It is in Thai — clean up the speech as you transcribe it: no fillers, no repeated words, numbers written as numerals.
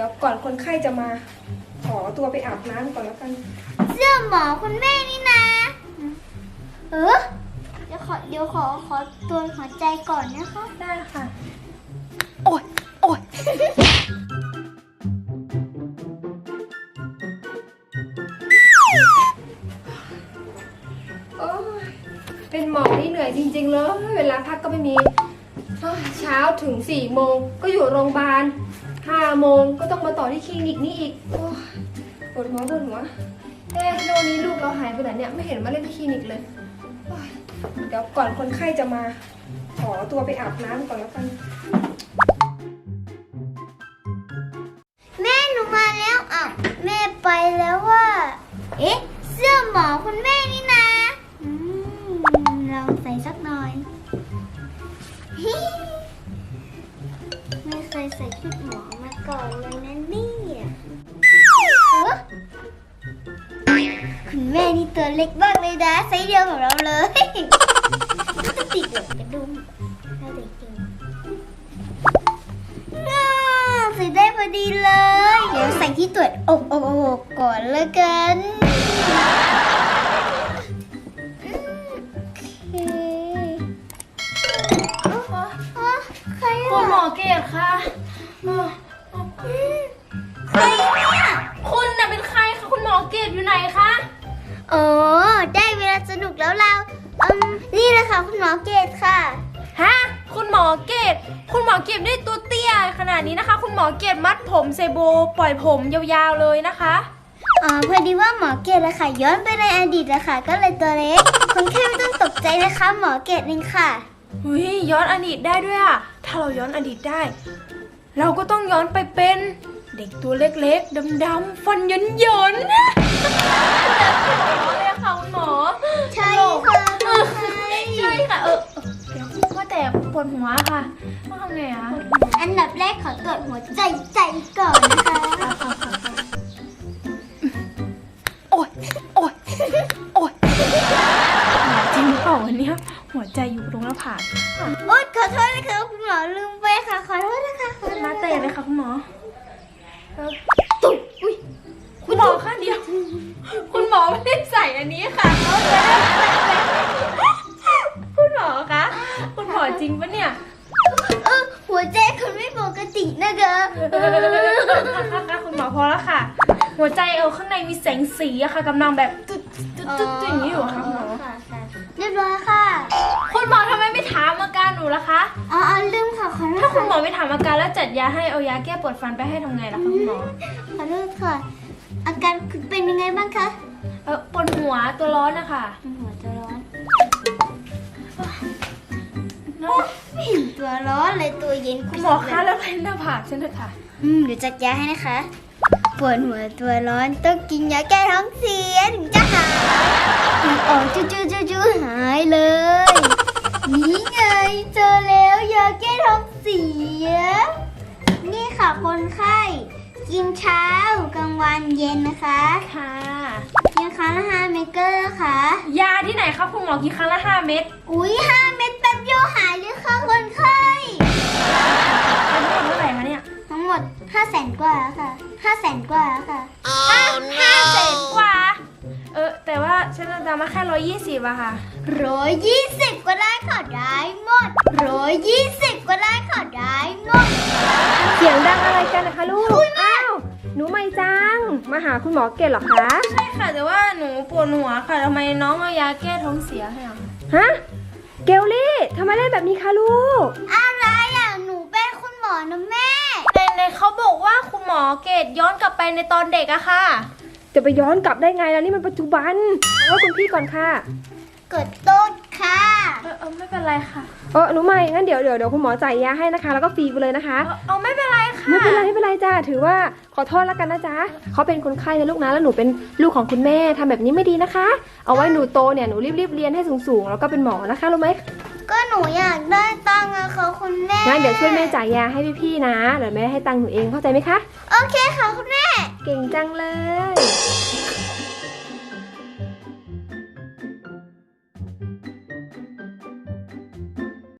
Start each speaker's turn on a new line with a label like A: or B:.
A: ดี๋ยวก่อนคนไข้จะมาขอตัวไปอาบน้ำก่อนแล้วกัน
B: เสื้อหมอคุณแม่นี่นะเดี๋ยวขอตัวหัวใจก่อนนะคะ
A: ได้ค่ะโอ้ยโอ้ยเป็นหมอนี่เหนื่อยจริงๆเลยเวลาพักก็ไม่มีเช้าถึง4 โมงก็อยู่โรงพยาบาล5 โมงก็ต้องมาต่อที่คลินิกนี่อีกปวดหัวโน่นนี้ลูกเราหายไปไหนเนี่ยไม่เห็นมาเล่นที่คลินิกเลยเดี๋ยวก่อนคนไข้จะมาขอตัวไปอาบน้ำก่อนแล้วกัน
B: แม่หนูมาแล้วแม่ไปแล้วว่าเสื้อหมอคุณแม่นี่นะลองใส่สักหน่อยไม่เคยใส่ชุดหมอมาก่อนเลยนะเนี่ยคุณแม่นี่ตัวเล็กมากเลยนะไซส์เดียวกับเราเลยติดกับกระดุมน่าเด็กจริงใส่ได้พอดีเลยเดี๋ยวใส่ที่ตรวจอกก่อนแล้วกัน
C: คุณหมอเกศค่ะ
B: ใครเนี่ย
C: คุณน่ะเป็นใครคะคุณหมอเกศอยู่ไหนคะ
B: ได้เวลาสนุกแล้วเรานี่แหละค่ะคุณหมอเกศค่ะ
C: ฮะคุณหมอเกศได้ตัวเตี้ยขนาดนี้นะคะคุณหมอเกศมัดผมเซโบปล่อยผมยาวๆเลยนะคะ
B: พอดีว่าหมอเกศอะค่ะย้อนไปในอดีตอะค่ะก็เลยตัวเล็กคนแค่ไม่ต้องตกใจนะคะหมอเกศเองค่ะ
C: ย้อนอดีตได้ด้วยอะถ้าเราย้อนอดีตได้เราก็ต้องย้อนไปเป็นเด็กตัวเล็กๆดำๆฟันหย่นๆเลยค่ะคุณหมอ
B: ใช่ค่ะ
C: ใช่ค่ะเดี๋ยวว่าแต่ปวดหัวค่ะต้องทำไงอะ
B: อันดับแรกขอตรวจหัวใจก่อนนะคะ
C: โอ๊ยจริงหรือเปล่าวันนี้หัวใจอยู่ตรงหน้าผาก
B: ขอโทษนะคะคุณหมอลืมไปค่ะขอโทษนะคะ
C: มาเตะเลยค่ะคุณหมอ
B: ตุ๊บ
C: คุณหมอค่ะเดียวคุณหมอไม่ได้ใส่อันนี้ค่ะคุณหมอคะคุณหมอจริงปะเนี่ย
B: หัวใจคุณไม่ปกตินะคะ
C: คุณหมอพอแล้วค่ะหัวใจข้างในมีแสงสีอะค่ะกำลังแบบตึ๊ดอย่างนี้อยู่ค่ะคุณหมอ
B: เรียบร้อยค่ะ
C: คุณหมอทำไมไม่ถามอาการหนูล่ะคะ
B: ลืมค่ะขอโทษ
C: ถ้าคุณหมอไม่ถามอาการแล้วจัดยาให้เอายาแก้ปวดฟันไปให้ทำไงล่ะคะคุณหมอ
B: ขอโทษค่ะอาการเป็นยังไงบ้างคะ
C: ปวดหัวตัวร้อนนะคะ
B: หัวตัวร้อนไม่เห็นตัวร้อนเลยตัวเย็น
C: คุณหมอคะแล้วเป็นหน้าผากฉันเถอะค่ะ
B: เดี๋ยวจัดยาให้นะคะปวดหัวตัวร้อนต้องกินยาแก้ท้องเสียถึงจะหายจู่หายเลยนี่ไงเจอแล้วยาแก้ท้องเสียนี่ค่ะคนไข้กินเช้ากลางวันเย็นนะคะ
C: ค่ะ
B: กินครั้งละ5 เม็ดก็ได้ค่ะ
C: ยาที่ไหนคะคุณหมอกินครั้งละ5 เม็ด
B: 5 เม็ดแป๊บเดียวหายเลยค่ะคนไข้
C: ทั้งหมดเท่าไหร่คะเนี่ย
B: ทั้งหมด500,000 กว่าแล้วค่ะ500,000 กว่าแล้วค่ะ
C: 500,000 กว่าแต่ว่าฉันจะมาแค่120อะค่ะ
B: 120ก็ได้ค่ะได้หมด120ก็ได้ค่ะได้หมด
A: เสียงดังอะไรกันนะคะลูกอ้าวหนูไม่จังมาหาคุณหมอเกศเหรอคะ
C: ใช่ค่ะแต่ว่าหนูปวดหัวค่ะทำไมน้องเอายาแก้ท้องเสียให้อ่ะ
A: ฮะเกลลี่ทำไมเล่นแบบนี้คะลูก
B: อะไรอ่ะหนูเป็นคุณหมอนะแม่
C: ในเขาบอกว่าคุณหมอเกศย้อนกลับไปในตอนเด็กอะค่ะ
A: จะไปย้อนกลับได้ไงล่ะนี่มันปัจจุบันเอาคุณพี่ก่อนค่ะ
B: กดโต๊ะค่ะ
C: ไม่เป็นไรค่ะ
A: หนูไม่งั้นเดี๋ยวคุณหมอจ่ายยาให้นะคะแล้วก็ฟรีไปเลยนะคะ
C: ไม่เป็นไรค่ะ
A: ไม่เป็นไรจ้าถือว่าขอโทษแล้วกันนะจ๊ะเขาเป็นคนไข้นะลูกนะแล้วหนูเป็นลูกของคุณแม่ทำแบบนี้ไม่ดีนะคะเอาไว้หนูโตเนี่ยหนูรีบเรียนให้สูงแล้วก็เป็นหมอนะคะรู้ไหม
B: ก็หนูอยากได้ตังค์อะค่ะคุณแม่
A: งั้นเดี๋ยวช่วยแม่จ่ายยาให้พี่ๆนะเดี๋ยวแม่ให้ตังค์หนูเองเข้าใจไหมคะ
B: โอเคค่ะคุณแม่
A: เก่งจังเลย